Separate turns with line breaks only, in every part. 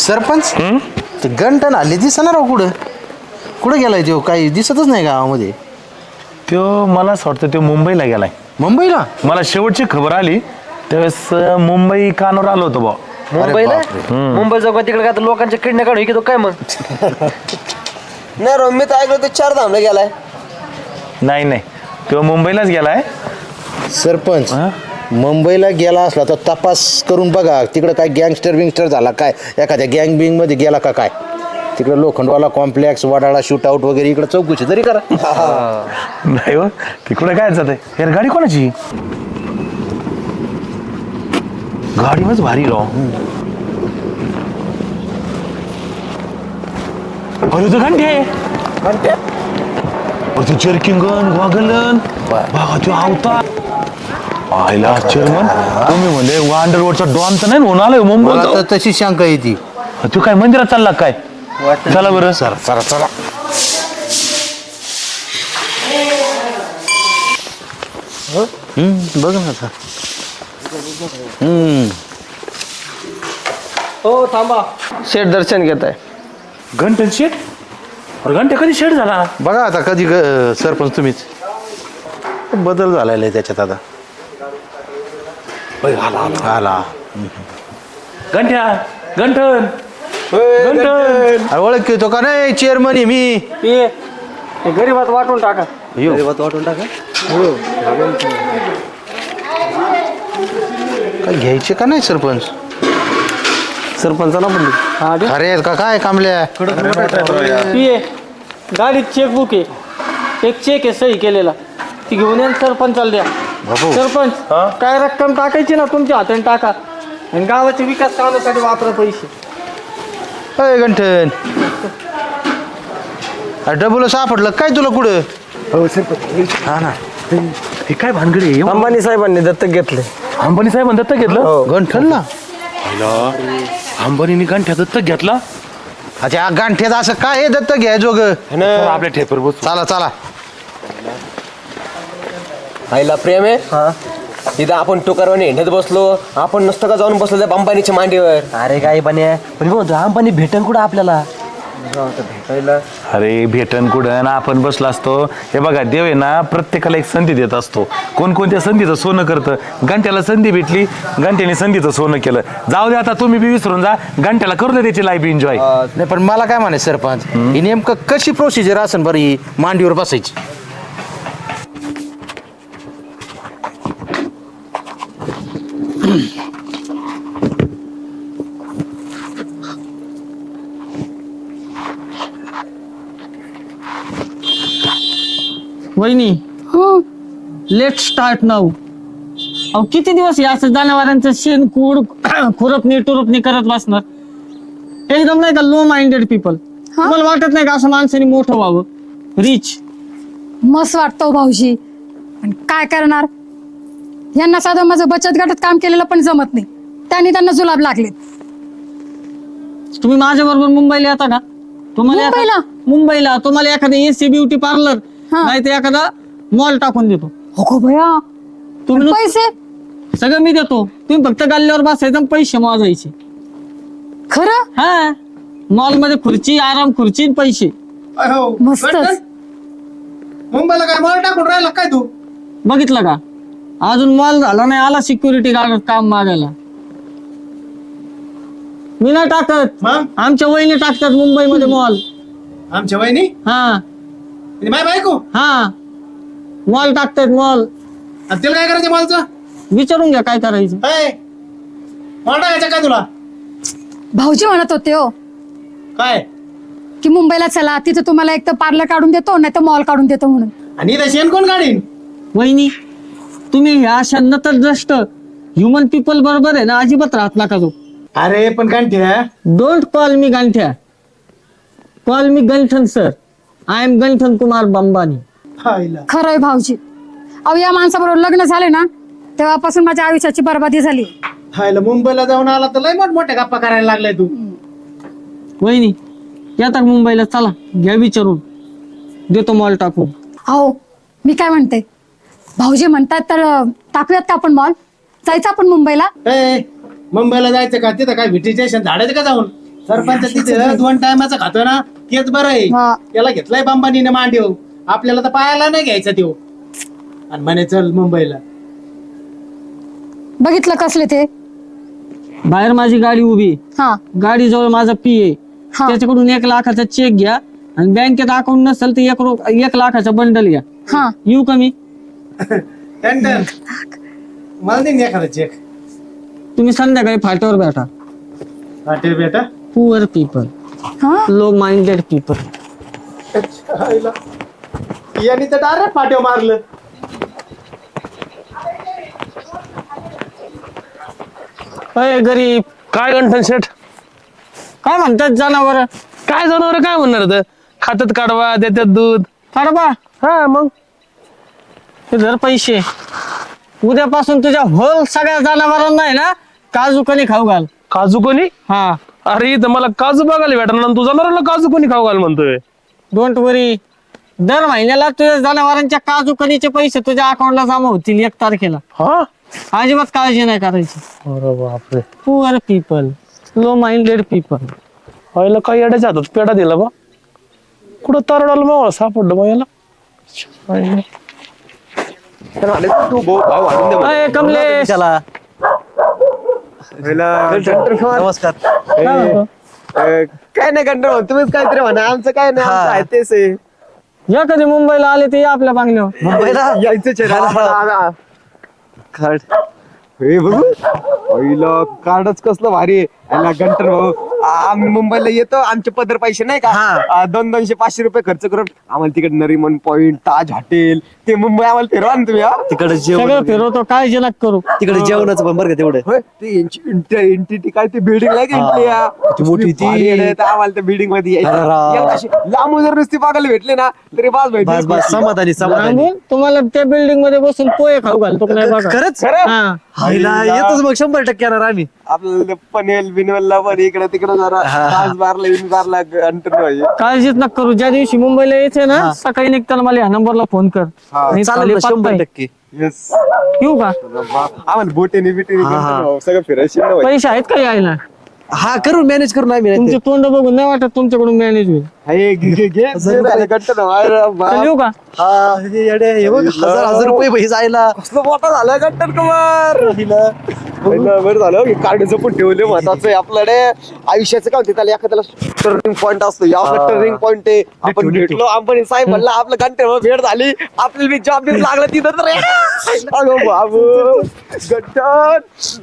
सरपंच ते गंटन आले दिसणार राव कुठं कुठं गेलाय तो काही दिसतच नाही गावामध्ये.
तो मला असं वाटतं तो मुंबईला गेलाय.
मुंबईला?
मला शेवटची खबर आली त्यावेळेस मुंबई कानावर आलो होतो बा.
मुंबईला? मुंबई जाऊ का तिकडे काय लोकांच्या किडण्या काढून की तो काय मग?
नाही रो मी तर ऐकलं तो 4 धामला गेलाय.
नाही नाही तो मुंबईलाच गेलाय.
सरपंच मुंबईला गेला असला तर तपास करून बघा तिकडं काय गँगस्टर विंगस्टर झाला काय, एखाद्या गँग बिंग मध्ये गेला का काय. तिकडे Lokhandwala complex Wadala shoot out वगैरे इकडे चौकशी तरी करा.
नाही हो तिकडे काय जात यार. गाडी कोणाची? गाडी मच भारी राव. अरे तो घंटे आहे चर्किंगन गॉगलन बघा तो आवता आयला चेअरमन. तुम्ही म्हणजे अंडरवर्ल्डचा डॉन तर नाही होऊन आलाय मुंबईत.
तशी शंका येते.
तू काय मंदिरात चालला काय? चला बरं
चला चला चला. बघ ना आता.
हो थांबा, शेठ दर्शन घेत आहे.
घंटन शेट. अरे घंटे कधी शेट झाला?
बघा आता कधी सरपंच तुम्हीच बदल झालेला आहे त्याच्यात आता. आला
घंट्या घंटन घंटन.
ओळख तो का नाही चेअरमन आहे मी.
गरीबात वाटून टाका.
वाटून टाका.
काय घ्यायचे का नाही सरपंच?
सरपंचाला म्हणली
अरे आहेत का काय कामल्या?
गाडीत चेकबुक आहे, एक चेक आहे सही केलेला, ती घेऊन या सरपंचाला द्या. सरपंच काय रक्कम टाकायची ना तुमच्या हाताने टाका आणि गावाच्या विकास कामासाठी वापरा पैसे.
अय गंठन डबल सापडलं काय तुला कुठं? हा ना.
हे काय भानगडी आहे?
अंबानी साहेबांनी दत्तक घेतले.
अंबानी साहेबांनी दत्तक घेतलं?
गंठनला?
अंबानीने गांठ्या दत्तक घेतला?
अच्छा गांठ्यात असं काय आहे दत्तक घ्यायचो ग?
आपल्या ठेपर बस.
चला चला.
आईला प्रेम आहे. इथं आपण टोकारवाने हिंडत बसलो, आपण नसतं का जाऊन बसलो त्या अंबानीच्या मांडीवर.
अरे काय बन्या पण म्हणतो अंबानी भेटन कुठं आपल्याला?
भेटायला
अरे भेटन कुठं ना आपण बसला असतो. हे बघा देव आहे ना प्रत्येकाला एक संधी देत असतो. कोणकोणत्या संधीचं सोनं करतं. घंट्याला संधी भेटली, घंट्याने संधीचं सोनं केलं. जाऊ दे आता तुम्ही बी विसरून जा. घंट्याला करू दे त्याची लाईफ एन्जॉय.
नाही पण मला काय म्हणायचं सरपंच ही नेमकं कशी प्रोसिजर असेल बरं ही मांडीवर बसायची?
वहिनी लेट स्टार्ट नाऊ. अहो किती दिवस या असं जनावरांचं शेण कूड खुरपणी टुरपणी करत बसणार? एकदम नाही का लो माइंडेड पीपल. मला वाटत नाही का असं माणसाने मोठं व्हावं, रिच?
मस्त वाटतो भाऊजी, पण काय करणार, यांना साधं माझं बचत गटात काम केलेलं पण जमत नाही, त्यांनी त्यांना जुलाब लागलेत.
तुम्ही माझ्या बरोबर मुंबईला येता का?
मुंबईला?
मुंबईला तुम्हाला एखादं एसी ब्युटी पार्लर नाही तर एखादा मॉल टाकून देतो.
हो भया,
तुम्ही
पैसे
सगळं मी देतो, तुम्ही फक्त गल्ल्यावर बसायचं आणि पैसे मोजायचे.
खरं?
हा, मॉल मध्ये खुर्ची, आराम खुर्ची आणि पैसे.
मस्तच.
मुंबईला काय मॉल टाकून राहिला काय तू?
बघितलं का, अजून मॉल झाला नाही, आला सिक्युरिटी गार्ड काम मागायला. मी नाही टाकत,
मग
आमच्या वहिनी टाकतात मुंबईमध्ये मॉल.
आमच्या वहिनी
हा
आणि माय बायको
हा, मॉल टाकतात मॉल.
आणि तिला काय करायचं मॉलचं?
विचारून घ्या काय करायचं.
मॉल टाकायचं काय तुला?
भाऊजी म्हणत होते हो
काय
की मुंबईला चला, तिथं तुम्हाला एक तर पार्लर काढून देतो नाही तर मॉल काढून देतो म्हणून.
आणि इथं शेण कोण काढीन?
वहिनी तुम्ही ह्या अशा नतद्रष्ट ह्युमन पीपल बरोबर आहे ना अजिबात राहत नका तो.
अरे पण कांठ्या,
डोंट कॉल मी गांठ्या, call me Ganthan sir. I am Ganthan Kumar Bambani.
खरंय भाऊजी, अहो या माणसाबरोबर लग्न झाले ना तेव्हापासून माझ्या आयुष्याची बर्बादी झाली.
हायला मुंबईला जाऊन आला तर लय मोठ्या गप्पा करायला लागलाय तू.
वहिनी येतात मुंबईला, चला घ्या विचारून, देतो मॉल टाकून.
अहो मी काय म्हणते, भाऊजी म्हणतात तर टाकूयात का आपण मॉल? जायचं आपण मुंबईला?
मुंबईला जायचं का? तिथं काय व्हिटिटेशन झाडायचं का जाऊन? सरपंच तिथे 2 टायमाचं खातो ना तेच बरं आहे.
हा.
त्याला घेतलाय बांबानीने मांडीव, आपल्याला तर पायाला नाही घ्यायचा त्यो. आणि म्हणे चल मुंबईला.
बघितलं कसले ते.
बाहेर माझी गाडी उभी,
हा
गाडी जवळ माझा पीए,
हा.
त्याच्याकडून 1 लाखाचा चेक घ्या आणि बँकेत अकाउंट नसेल तर 1 लाखाचा बंडल घ्या.
हा
येऊ का मी?
टंटन मला दे ना एखादा चेक.
तुम्ही संध्याकाळी फाट्यावर भेटा.
हॉटेल बेटा.
पुअर पीपल,
हा
लो माइंडेड पीपल.
यांनी तर डायरेक्ट पाट्यावर मारलं.
अय गरीब,
काय गंठन शेठ,
काय म्हणतात जनावर?
काय जनावर काय म्हणणार तर खात्यात काढवा देतात दूध.
काढबा
हा मग
ते धर पैसे. उद्यापासून तुझ्या होल सगळ्या जनावरांना आहे ना काजू कणी खाऊ घाल.
काजू कोणी?
हा,
अरे इथं मला काजू बघायला भेटणार आणि तू जनावरांना काजू कोणी खाऊ घाल म्हणतोय.
Don't worry. दर महिन्याला तुझ्या जनावरांच्या काजू कणीचे पैसे तुझ्या अकाउंटला जमा होतील 1 तारखेला.
हा
अजिबात काळजी नाही करायची.
अरे बापरे,
poor people, low minded people.
व्हायला काही अड्याच्या हातात पेढा दिला बा. कुठं तरडाला मावळा सापडलं बा याला.
अय कमलेश,
नमस्कार.
काय म्हणतो?
काय नाही कंटाळ, तुम्हीच काहीतरी म्हणा, आमचं काय नाही, आमचं आहे तेच आहे.
या कधी मुंबईला आले ते या आपल्या बांगल्यावर.
मुंबईला यायचं हे बघू पहिलं कार्डच कसलं भारी आहे. याला गंटर भाऊ, आम्ही मुंबईला येतो, आमचे पदर पैसे नाही का 200-500 रुपये खर्च करून आम्हाला तिकडे नरीमन पॉइंट, ताज हॉटेल, ते मुंबई आम्हाला फिरवा ना तुम्ही. तिकडे
सगळं फिरवतो, काळजी नका करू.
तिकडे जेवणाचं पण बरं का तेवढं. होय, ते एंटिटी काय ते बिल्डिंग नाही का मोठी ती, आम्हाला त्या बिल्डिंग मध्ये यायचं. लांबून जर नुसती बघायला भेटले ना तरी बस समाधानी.
सांगून तुम्हाला त्या बिल्डिंग मध्ये बसून पोहे खाऊ घालतो का नाही बघा.
खरंच
हा.
येतच मग 100% येणार आम्ही. आपल्याला पनवेल बिनवेलला पण इकडे तिकडे जरा तास बारला विनबारला अंतर पाहिजे.
काळजीच नका करू. ज्या दिवशी मुंबईला यायचंय ना सकाळी निघताना मला ह्या नंबरला फोन कर. आणि खाली पत्ता आहे.
येस,
येऊ का?
आम्हाला बोटेने बिटेने सगळं फिरायचं.
पैसे आहेत का यायला?
हा करू, मॅनेज करून आम्ही.
तुमचे तोंड बघून नाही वाटत तुमच्याकडून मॅनेज होईल. चल, येऊ का?
1000 रुपये जायला कसलं मोठा झालं गंटन कुमार. बरं झालं की कार्ड जपून ठेवले, महत्वाचं आहे आपल्याकडे. आयुष्याचं काय होते त्याला एखाद्याला टर्निंग पॉईंट असतो, आपला टर्निंग पॉईंट आहे. आपण भेटलो, अंबानी साहेब म्हणला आपलं गंटन भेट झाली, आपल्याला जॉब बी लागला तिथं तर. अगो बाबू गंटन.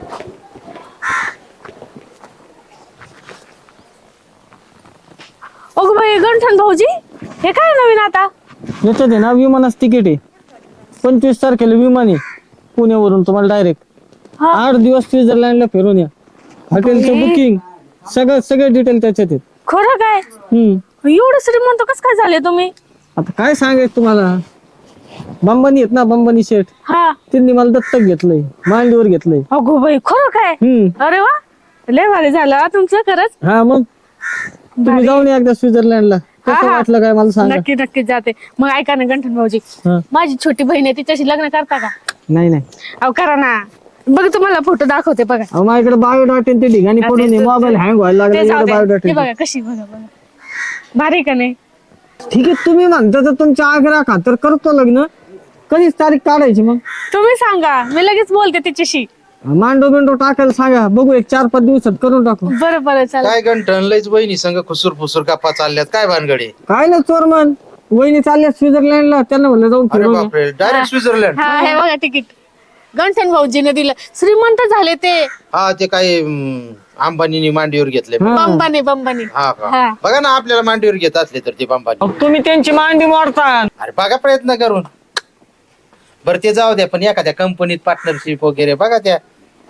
अगं बाई गंठन भाऊजी, हे काय नवीन आता?
याच्यात आहे ना विमानाचं तिकीट आहे. 25 तारखेला विमान आहे पुण्यावरून तुम्हाला डायरेक्ट. 8 दिवस स्वित्झर्लंडला फिरून या. हॉटेलचं बुकिंग सगळे डिटेल त्याच्यात आहेत.
खरं काय? एवढं श्रीमंत कसं काय झाले तुम्ही?
आता काय सांगायचं तुम्हाला, बंबानी आहेत ना, बंबानी शेठ,
हा.
त्यांनी मला दत्तक घेतलंय, मांडीवर घेतलंय.
अगो बाई खरं काय? अरे वा, लय भारी झालं तुमचं खरंच.
हा मग तुम्ही जाऊन या एकदा स्वित्झर्लंडला. कसं वाटलं काय मला सांगा.
नक्की नक्की जाते. मग ऐका ना गंठन भाऊजी,
हा.
माझी छोटी बहीण आहे, तिच्याशी लग्न करता का?
नाही नाही,
अहो करा ना. बघ तुम्हाला फोटो दाखवते बघा.
अहो माझ्याकडे बायोडाटा ते ठिकाणी पडून मोबाईल हँग व्हायला
ते जाऊ
लागला.
दे.
बायोडाटा
हे बघा कशी, बघा बघा भारी का नाही?
ठीक आहे, तुम्ही म्हणता तर तुमच्या आग्रह खातर करतो लग्न. कधीच तारीख काढायची मग?
तुम्ही सांगा, मी लगेच बोलते तिच्याशी.
मांडो बिंडो टाकायला सांगा, बघू 1-4-5 दिवसात करून टाकू.
बरं बरं चालेल.
काय गंठन लयच बहिणी संग खुसूर फुसूर गप्पा चालल्यात, काय भानगडी?
काय ना चोरमन, वहिनी चालल्या स्वित्झर्लंडला, त्यांना म्हणलं जाऊन
अरे
फिरून या.
बापरे, डायरेक्ट स्वित्झर्लंड.
हा हे बघा तिकीट. गंठन भाऊजीने दिलं. श्रीमंत झाले ते.
हा ते काय अंबानीनी मांडीवर घेतले.
बंबाने बंबाने.
हा का?
हा.
बघा ना, आपल्याला मांडीवर घेत असले तर ते अंबानी.
अहो, तुम्ही त्यांची मांडी मोडता.
अरे बघा प्रयत्न करून. बरं ते जाऊ द्या, पण एखाद्या कंपनीत पार्टनरशिप वगैरे बघा त्या.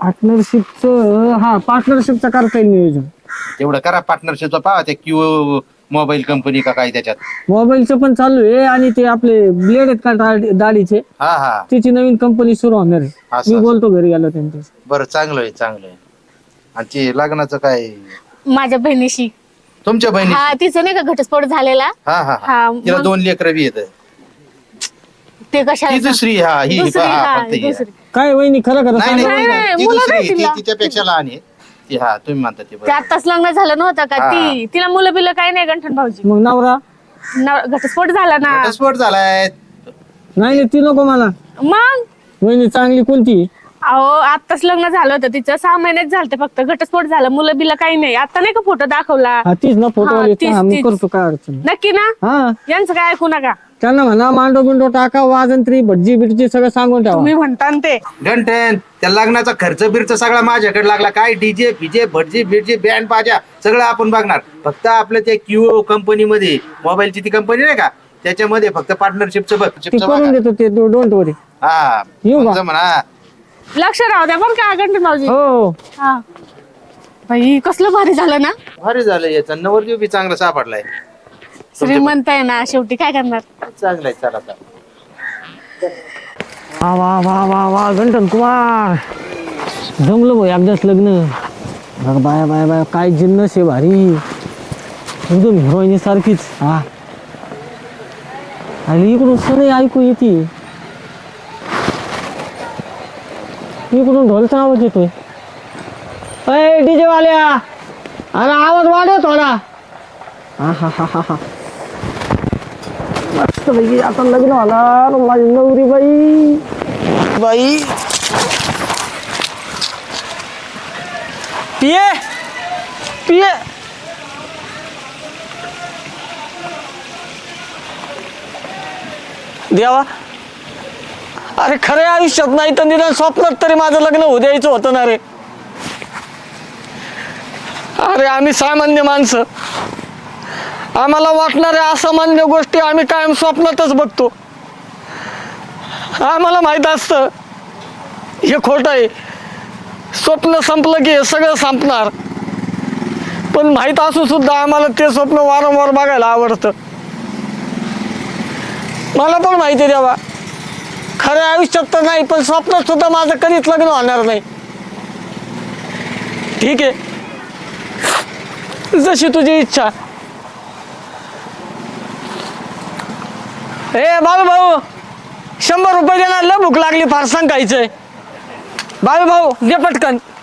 पार्टनरशिपचं करता येईल नियोजन.
तेवढं करा पार्टनरशिपचं, पाहा त्या क्यू मोबाईल कंपनी का काय त्याच्यात.
मोबाईलचं पण चालू आहे आणि ते आपले ब्लेड आहेत का दाढीचे,
हा हा
तिची नवीन कंपनी सुरू होणार आहे.
असं,
मी बोलतो घरी गेलो त्यांच्या.
बरं चांगलं आहे चांगलं आहे. आणि ते लग्नाचं काय
माझ्या बहिणीशी.
तुमच्या बहिणी?
हा तिचं नाही का घटस्फोट झालेला.
हा हा
हा,
तिला
मग-
2 लेकरं बी येत.
ते कशाला
ही दुसरी, हा ही
दुसरी,
हा,
हा,
फक्त ही.
दुसरी.
काय वहिनी खरं खरं
नाही
सांगा.
नाही
नाही,
ती
मुलं
दुसरी,
नाही तिला.
ती तिच्यापेक्षा लहान आहे. हा तुम्ही म्हणता ते
ते
बरोबर.
आत्ताच लग्न झालं नव्हतं का ती तिला मुलं बिलं काही नाही गंठन भाऊजी
मग नवरा
घटस्फोट झाला ना
घटस्फोट झालाय.
नाही ती नको मला.
मग
वहिनी चांगली कोणती?
अहो आत्ताच लग्न झालं होतं तिचं 6 महिन्यात झालं फक्त घटस्फोट झाला मुलं बिलं काही नाही आता नाही का फोटो दाखवला
हा तीच ना फोटो
हा,
वाली.
तीच,
हा, मी
तीच.
करतो काय अडचण नाही.
नक्की ना
हा
यांचं काय ऐकू नका
त्यांना म्हणा मांडो बिंडो टाका वाजंत्री भटजी बिटजी सगळं सांगून ठेवा.
तुम्ही म्हणता ना ते
घंटन त्या लग्नाचा खर्च बिर्च सगळा माझ्याकडे लागला. काय डीजे फिजे भटजी बिटजी बँड बाजा सगळं आपण बघणार. फक्त आपलं ते क्यू कंपनीमध्ये मोबाईलची ती कंपनी नाही का त्याच्यामध्ये फक्त पार्टनरशिपचं बघ
ती करून देतो ते डोंट वरी.
हा
येऊ का?
समजा म्हणा.
लक्ष राहू द्या बरं का गंठन भाऊजी
हो
हा बाई कसलं भारी झालं ना
भारी झालं याचा नवरदेव बी चांगला सापडलाय.
श्रीमंत आहे ना शेवटी काय करणार
चांगलाय चला आता.
वा वा वा वा वा गंठन कुमार जमलं भाऊ एकदाच लग्न. बघ बाया बाया बाया काय जिन्नस आहे भारी एकदम हिरोईनी सारखीच. हा आणि इकडून सगळे ऐकू येते. इकडून ढोलचा आवाज येतोय. अय डीजे वाल्या अरे आवाज वाढव थोडा. हा हा हा हा हा मस्त पैकी आता लग्न होणार माझी नवरी बाई बाई. पिये पिये देवा अरे खऱ्या आयुष्यात नाही तर निदान स्वप्नात तरी माझं लग्न होऊ द्यायचं होतं ना रे. अरे आम्ही सामान्य माणसं आम्हाला वाटणाऱ्या असामान्य गोष्टी आम्ही कायम स्वप्नातच बघतो. आम्हाला माहित असतं हे खोटं आहे. स्वप्न संपलं की हे सगळं संपणार. पण माहित असू सुद्धा आम्हाला ते स्वप्न वारंवार बघायला आवडतं. मला पण माहिती आहे देवा खऱ्या आयुष्यात तर नाही पण स्वप्नात सुद्धा माझं कधीच लग्न होणार नाही. ठीक आहे जशी तुझी इच्छा. ए बाबू भाऊ 100 रुपये देणार लय भूक लागली फार सांगायचंय. बाबू भाऊ दे पटकन.